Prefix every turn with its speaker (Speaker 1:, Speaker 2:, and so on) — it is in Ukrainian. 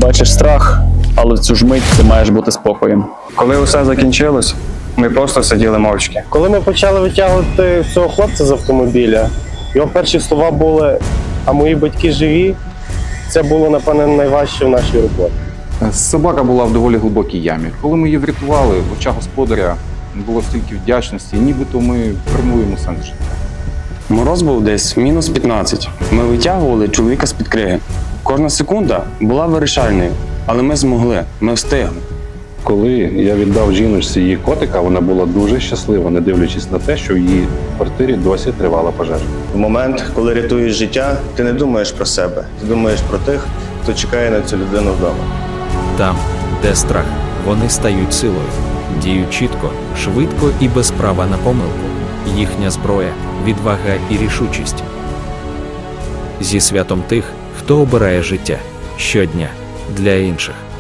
Speaker 1: бачиш страх, але в цю ж мить ти маєш бути спокоєм.
Speaker 2: Коли усе закінчилось, ми просто сиділи мовчки.
Speaker 3: Коли ми почали витягувати цього хлопця з автомобіля, його перші слова були: а мої батьки живі. Це було, напевне, найважче в нашій роботі.
Speaker 4: Собака була в доволі глибокій ямі. Коли ми її врятували, в очах господаря було стільки вдячності, нібито ми формуємо сенс життя.
Speaker 5: Мороз був десь мінус 15. Ми витягували чоловіка з-під криги. Кожна секунда була вирішальною, але ми змогли, ми встигли.
Speaker 6: Коли я віддав жіночці її котика, вона була дуже щаслива, не дивлячись на те, що в її квартирі досі тривала пожежа.
Speaker 7: В момент, коли рятуєш життя, ти не думаєш про себе, ти думаєш про тих, хто чекає на цю людину вдома.
Speaker 8: Там, де страх, вони стають силою, діють чітко, швидко і без права на помилку. Їхня зброя – відвага і рішучість. Зі святом тих, хто обирає життя щодня для інших.